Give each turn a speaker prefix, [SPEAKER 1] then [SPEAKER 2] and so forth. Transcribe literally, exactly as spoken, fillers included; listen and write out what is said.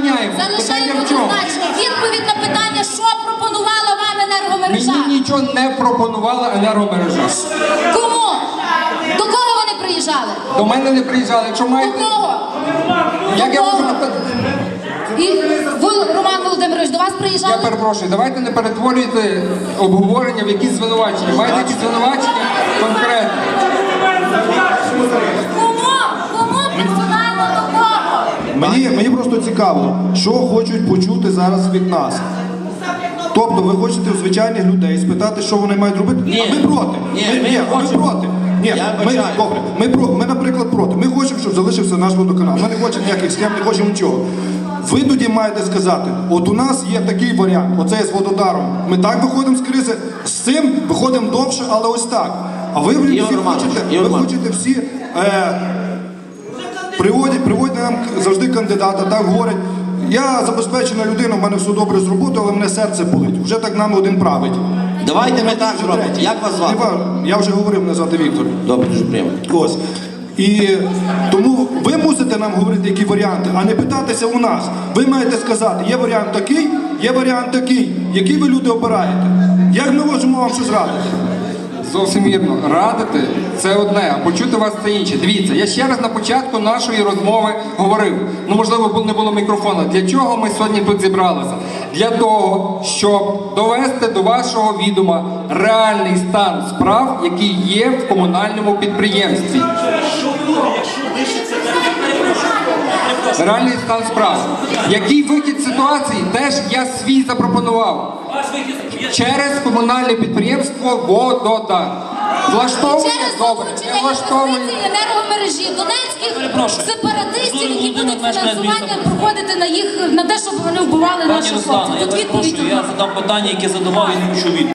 [SPEAKER 1] забороняємо.
[SPEAKER 2] Залишаємо
[SPEAKER 1] Питання в чому?
[SPEAKER 2] однозначно. Відповідь на питання, що пропонувала вам енергомережа?
[SPEAKER 1] Мені нічого не пропонувала енергомережа.
[SPEAKER 2] Кому? До кого вони приїжджали?
[SPEAKER 1] До мене не приїжджали. Якщо
[SPEAKER 2] До
[SPEAKER 1] маєте...
[SPEAKER 2] кого?
[SPEAKER 1] Як я
[SPEAKER 2] До
[SPEAKER 1] можу...
[SPEAKER 2] кого? І ви, Роман Володимирович, до вас приїжджали?
[SPEAKER 1] Я перепрошую, давайте не перетворюйте обговорення в якісь звинувачення. Маєте якісь звинувачення конкретно.
[SPEAKER 2] Кому? Кому персонально до кого?
[SPEAKER 3] Мені, мені просто цікаво, що хочуть почути зараз від нас. Тобто ви хочете у звичайних людей спитати, що вони мають робити?
[SPEAKER 4] Ні.
[SPEAKER 3] А ми проти.
[SPEAKER 4] Ні,
[SPEAKER 3] ми,
[SPEAKER 4] ми
[SPEAKER 3] ні, а ми
[SPEAKER 4] хочемо.
[SPEAKER 3] проти. Ні,
[SPEAKER 4] Я
[SPEAKER 3] ми,
[SPEAKER 4] бажаю.
[SPEAKER 3] добре, ми, про, ми, наприклад, проти. Ми хочемо, щоб залишився наш водоканал. Ми не хочемо ніяких схем, не хочемо нічого. Ви тоді маєте сказати, от у нас є такий варіант, оце з вододаром. Ми так виходимо з кризи, з цим виходимо довше, але ось так. А ви всі
[SPEAKER 4] Ігор Романович,
[SPEAKER 3] хочете,
[SPEAKER 4] Ігор
[SPEAKER 3] ви
[SPEAKER 4] Романович.
[SPEAKER 3] хочете всі е, приводять, приводять нам завжди кандидата, так говорять. Я забезпечена людина, в мене все добре з роботою, але мене серце болить. Вже так нам один править.
[SPEAKER 4] Давайте ми так
[SPEAKER 3] Вже
[SPEAKER 4] зробимо.
[SPEAKER 3] третій.
[SPEAKER 4] Як вас звати?
[SPEAKER 3] Не важливо. Я вже говорив, мене звати Віктор.
[SPEAKER 4] Добре, дуже приємно.
[SPEAKER 3] Ось. І тому ви мусите нам говорити, які варіанти, а не питатися у нас. Ви маєте сказати, є варіант такий, є варіант такий. Який ви люди обираєте? Як ми можемо вам щось радити?
[SPEAKER 1] Зовсім вірно. Радити – це одне, а почути вас – це інше. Дивіться, я ще раз на початку нашої розмови говорив, ну, можливо, не було мікрофона, для чого ми сьогодні тут зібралися? Для того, щоб довести до вашого відома реальний стан справ, який є в комунальному підприємстві. Реальний стан справ. Який вихід з ситуації, теж я свій запропонував. Через комунальне підприємство «Вододар». Влаштовує?
[SPEAKER 2] Через
[SPEAKER 1] Добре.
[SPEAKER 2] залучення
[SPEAKER 1] Не влаштовує.
[SPEAKER 2] інвестицій енергомережі донецьких
[SPEAKER 5] Перепрошую.
[SPEAKER 2] сепаратистів, які
[SPEAKER 5] Людина
[SPEAKER 2] будуть
[SPEAKER 5] мешкає
[SPEAKER 2] фінансування
[SPEAKER 5] міста.
[SPEAKER 2] проходити на їх на те, щоб вони вбивали
[SPEAKER 5] Пані
[SPEAKER 2] наших
[SPEAKER 5] Руслана,
[SPEAKER 2] хлопців.
[SPEAKER 5] я
[SPEAKER 2] Тут
[SPEAKER 5] вас
[SPEAKER 2] відповідь
[SPEAKER 5] прошу, я
[SPEAKER 2] одна.
[SPEAKER 5] задам питання, яке задавав і не почув відповідь.